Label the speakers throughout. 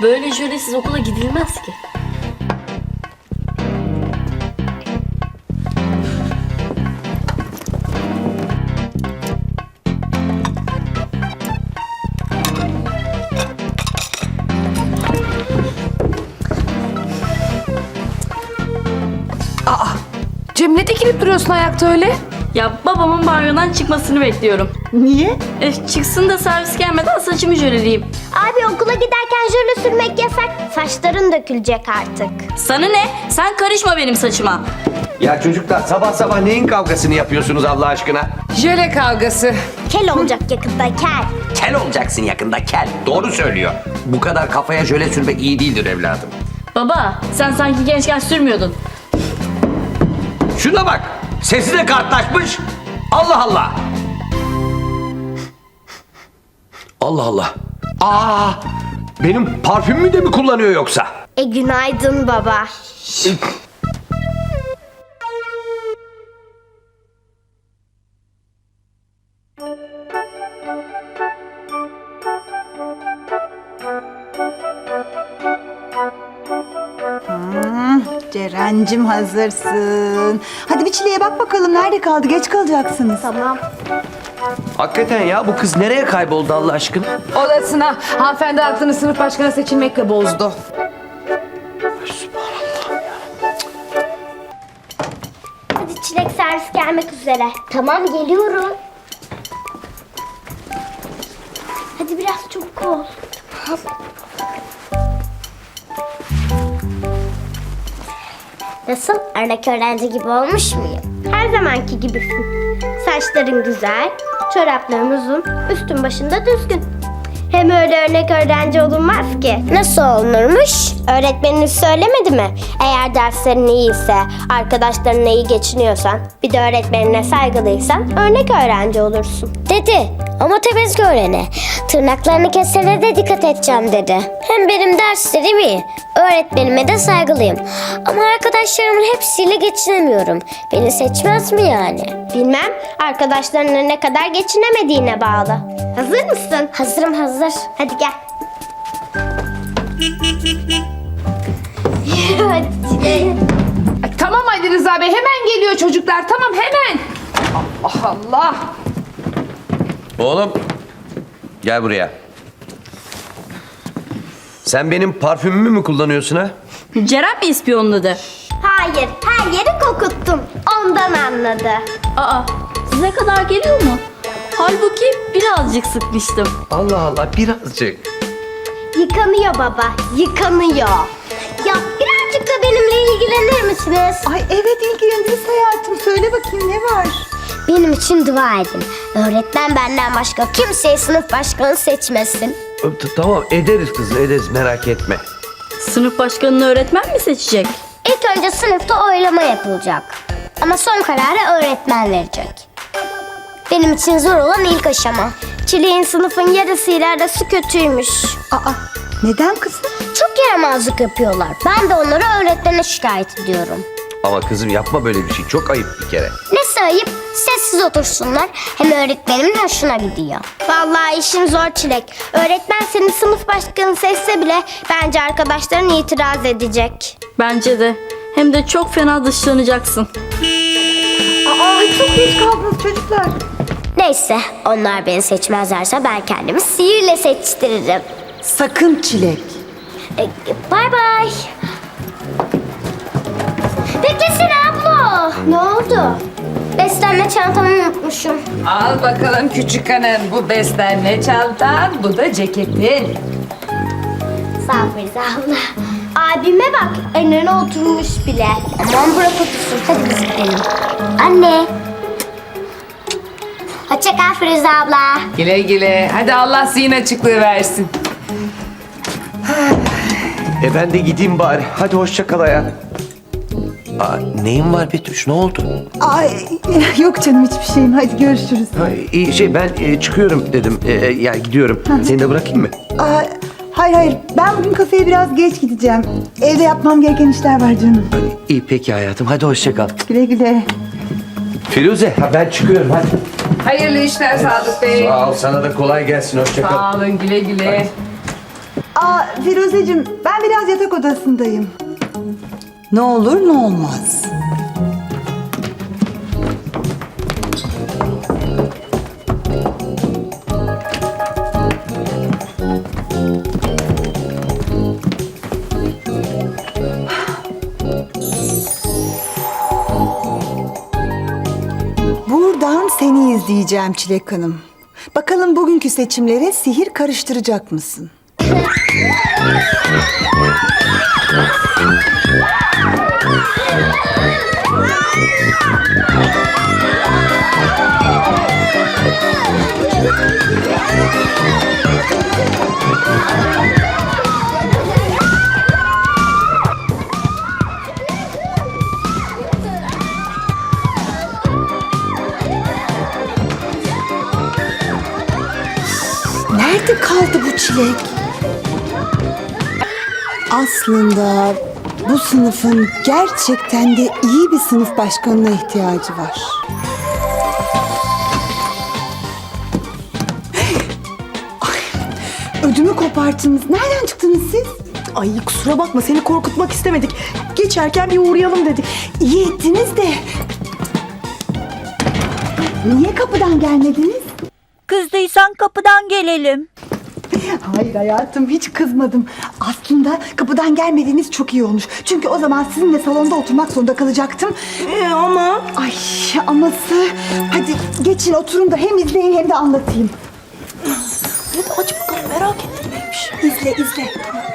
Speaker 1: Böyle jölesiz okula gidilmez ki.
Speaker 2: Cem ne dikilip duruyorsun ayakta öyle?
Speaker 1: Ya babamın banyodan çıkmasını bekliyorum.
Speaker 2: Niye?
Speaker 1: Çıksın da servis gelmeden saçımı jöleleyeyim.
Speaker 3: Abi okula giderken jöle sürmek yasak. Saçların dökülecek artık.
Speaker 1: Sana ne? Sen karışma benim saçıma.
Speaker 4: Ya çocuklar sabah sabah neyin kavgasını yapıyorsunuz Allah aşkına?
Speaker 2: Jöle kavgası.
Speaker 3: Kel olacak yakında kel.
Speaker 4: Kel olacaksın yakında kel. Doğru söylüyor. Bu kadar kafaya jöle sürmek iyi değildir evladım.
Speaker 1: Baba sen sanki gençken sürmüyordun.
Speaker 4: Şuna bak. Sesi de kartlaşmış. Allah Allah. Allah Allah. Aa, benim parfümümü de mi kullanıyor yoksa?
Speaker 3: Günaydın baba.
Speaker 5: Ceren'cim hazırsın. Hadi bir Çile'ye bak bakalım nerede kaldı? Geç kalacaksınız.
Speaker 3: Tamam.
Speaker 4: Hakikaten ya bu kız nereye kayboldu Allah aşkına?
Speaker 2: Odasına. Hanımefendi aklını sınıf başkanı seçilmekle bozdu.
Speaker 3: Hadi çilek servis gelmek üzere. Tamam geliyorum. Hadi biraz çabuk ol. Nasıl? Örnek öğrenci gibi olmuş muyum? Her zamanki gibisin. Saçların güzel, çorapların uzun, üstün başında düzgün. Hem öyle örnek öğrenci olunmaz ki. Nasıl olunurmuş? Öğretmeniniz söylemedi mi? Eğer derslerin iyiyse, arkadaşlarınla iyi geçiniyorsan, bir de öğretmenine saygılıysan örnek öğrenci olursun. Dedi ama temiz öğrene. Tırnaklarını kesene de dikkat edeceğim dedi. Hem benim derslerim iyi. Öğretmenime de saygılıyım. Ama arkadaşlarımın hepsiyle geçinemiyorum. Beni seçmez mi yani? Bilmem. Arkadaşlarına ne kadar geçinemediğine bağlı. Hazır mısın? Hazırım hazır. Hadi gel. Hadi.
Speaker 2: Ay, tamam Ali Rıza Bey hemen geliyor çocuklar. Tamam hemen. Allah Allah.
Speaker 4: Oğlum gel buraya. Sen benim parfümümü mü kullanıyorsun ha?
Speaker 1: Ceren mi ispiyonladı?
Speaker 3: Hayır, her yeri kokuttum. Ondan anladı.
Speaker 1: Aa size kadar geliyor mu? Halbuki birazcık sıkmıştım.
Speaker 4: Allah Allah birazcık.
Speaker 3: Yıkanıyor baba, yıkanıyor. Ya birazcık da benimle ilgilenir misiniz?
Speaker 5: Ay evet ilgileniriz hayatım. Söyle bakayım ne var?
Speaker 3: Benim için dua edin. Öğretmen benden başka kimseyi sınıf başkanı seçmesin.
Speaker 4: Tamam ederiz kızım ederiz merak etme.
Speaker 1: Sınıf başkanını öğretmen mi seçecek?
Speaker 3: İlk önce sınıfta oylama yapılacak. Ama son kararı öğretmen verecek. Benim için zor olan ilk aşama. Çileğin sınıfın yarısıyla arası kötüymüş.
Speaker 5: Aa neden kızım?
Speaker 3: Çok yaramazlık yapıyorlar. Ben de onları öğretmene şikayet ediyorum.
Speaker 4: Ama kızım yapma böyle bir şey çok ayıp bir kere.
Speaker 3: Nesi ayıp? Sessiz otursunlar. Hem öğretmenimin hoşuna gidiyor. Vallahi işin zor Çilek. Öğretmen seni sınıf başkanı seçse bile bence arkadaşların itiraz edecek.
Speaker 1: Bence de. Hem de çok fena dışlanacaksın.
Speaker 5: Aa çok geç kaldınız çocuklar.
Speaker 3: Neyse, onlar beni seçmezlerse ben kendimi sihirle seçtiririm.
Speaker 5: Sakın Çilek.
Speaker 3: Bay bay. Beklesene abla. Ne oldu? Beslenme çantamı unutmuşum.
Speaker 2: Al bakalım küçük hanım. Bu beslenme çantan, bu da ceketin.
Speaker 3: Sağ ol Ferize abla. Abime bak, önüne oturmuş bile. Aman bırak otursun, hadi biz gidelim. Anne. Hoşça kal Ferize abla.
Speaker 2: Güle güle. Hadi Allah zihin açıklığı versin.
Speaker 4: Ben de gideyim bari. Hadi hoşça kal hayatım. Neyin var Betüş ne oldu?
Speaker 5: Ay yok canım hiçbir şeyim. Hadi görüşürüz.
Speaker 4: İyi ben çıkıyorum dedim. Yani gidiyorum. Seni de bırakayım mı?
Speaker 5: Aa, hayır ben bugün kafeye biraz geç gideceğim. Evde yapmam gereken işler var canım.
Speaker 4: İyi peki hayatım hadi hoşça kal.
Speaker 5: Güle güle.
Speaker 4: Firuze ben çıkıyorum hadi.
Speaker 2: Hayırlı işler Sadık Bey.
Speaker 4: Sağ ol sana da kolay gelsin hoşça kal.
Speaker 2: Sağ olun güle güle.
Speaker 5: Firuzeciğim, ben biraz yatak odasındayım. Ne olur ne olmaz. Buradan seni izleyeceğim Çilek Hanım. Bakalım bugünkü seçimlere sihir karıştıracak mısın? Nerede kaldı bu Çilek? Aslında bu sınıfın gerçekten de iyi bir sınıf başkanına ihtiyacı var. Ay, ödümü koparttınız. Nereden çıktınız siz?
Speaker 6: Ay kusura bakma seni korkutmak istemedik. Geçerken bir uğrayalım dedik.
Speaker 5: İyi ettiniz de. Niye kapıdan gelmediniz?
Speaker 1: Kızdıysan kapıdan gelelim.
Speaker 5: Hayır hayatım, hiç kızmadım. Aslında kapıdan gelmediğiniz çok iyi olmuş. Çünkü o zaman sizinle salonda oturmak zorunda kalacaktım.
Speaker 6: Ama...
Speaker 5: Ay aması. Hadi geçin oturun da hem izleyin hem de anlatayım.
Speaker 6: Hadi aç bakalım merak ettim neymiş.
Speaker 5: İzle izle.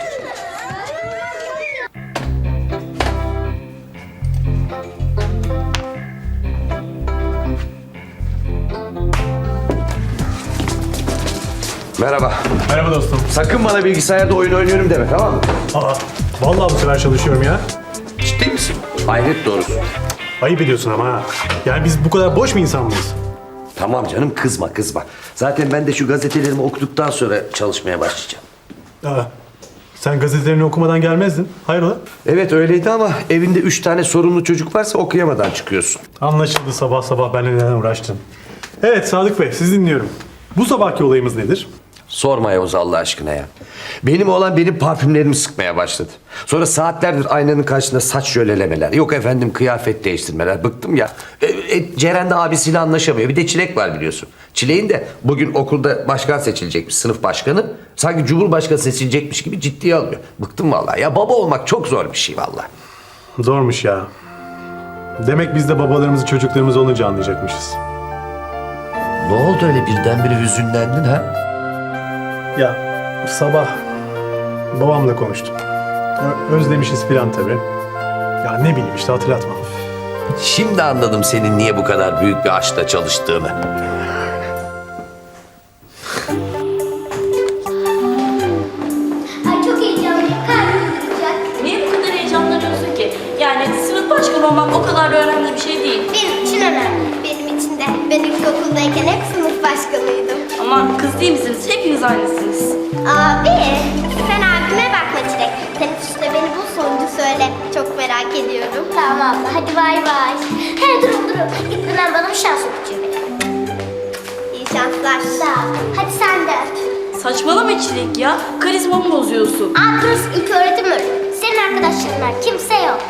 Speaker 4: Merhaba.
Speaker 7: Merhaba dostum.
Speaker 4: Sakın bana bilgisayarda oyun oynuyorum deme, tamam mı?
Speaker 7: Aa, vallahi bu sefer çalışıyorum ya.
Speaker 4: Ciddi misin? Hayret doğrusu.
Speaker 7: Ayıp ediyorsun ama ha. Yani biz bu kadar boş mu insan mıyız?
Speaker 4: Tamam canım, kızma kızma. Zaten ben de şu gazetelerimi okuduktan sonra çalışmaya başlayacağım.
Speaker 7: Aa, sen gazetelerini okumadan gelmezdin. Hayrola?
Speaker 4: Evet öyleydi ama evinde 3 tane sorunlu çocuk varsa okuyamadan çıkıyorsun.
Speaker 7: Anlaşıldı, sabah sabah benimle neden uğraştın. Evet Sadık Bey, sizi dinliyorum. Bu sabahki olayımız nedir?
Speaker 4: Sorma Yavuz Allah aşkına ya. Benim oğlan benim parfümlerimi sıkmaya başladı. Sonra saatlerdir aynanın karşısında saç jölelemeler. Yok efendim kıyafet değiştirmeler. Bıktım ya. Ceren de abisiyle anlaşamıyor. Bir de Çilek var biliyorsun. Çilek'in de bugün okulda başkan seçilecekmiş, sınıf başkanı. Sanki cumhurbaşkanı seçilecekmiş gibi ciddiye alıyor. Bıktım vallahi. Ya baba olmak çok zor bir şey vallahi.
Speaker 7: Zormuş ya. Demek biz de babalarımızı çocuklarımız olunca anlayacakmışız.
Speaker 4: Ne oldu öyle birdenbire hüzünlendin ha?
Speaker 7: Ya sabah babamla konuştum. Özlemişiz filan tabii. Ya ne bileyim işte hatırlatma.
Speaker 4: Şimdi anladım senin niye bu kadar büyük bir aşkla çalıştığını.
Speaker 3: Ay çok heyecanlıyım. Kalbim tutacak.
Speaker 1: Niye bu kadar heyecanlanıyorsun ki? Yani sınıf başkanı olmak o kadar da önemli bir şey değil.
Speaker 3: Benim için önemli. Benim için de. Ben ilkokuldayken hep sınıf başkanıydım.
Speaker 1: Ama kız değil misiniz? Hepiniz aynısınız.
Speaker 3: Abi sen abime bakma Çilek. Teneffüste beni bul sonucu söyle. Çok merak ediyorum. Tamam abla hadi bay bay. He durun. Gitmeden bana bir şans okuyacak. İyi şanslar. Sağ ol. Hadi sen de öp.
Speaker 1: Saçmalama Çilek ya. Karizmamı bozuyorsun.
Speaker 3: Aa burası ilk öğretim öğretmeni. Senin arkadaşların kimse yok.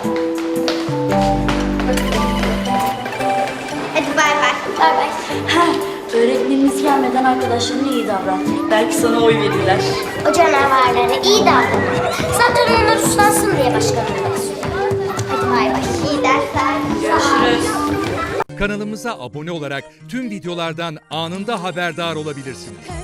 Speaker 3: Hadi bay bay. Bay bay.
Speaker 1: Öğretmenimiz gelmeden arkadaşlarına iyi davran. Belki sana oy verirler.
Speaker 3: O canavarlara iyi davranın. Zaten onlar uslansın diye başkanlığa istiyorum. Hadi bay bay. İyi dersler.
Speaker 1: Görüşürüz.
Speaker 8: Kanalımıza abone olarak tüm videolardan anında haberdar olabilirsiniz.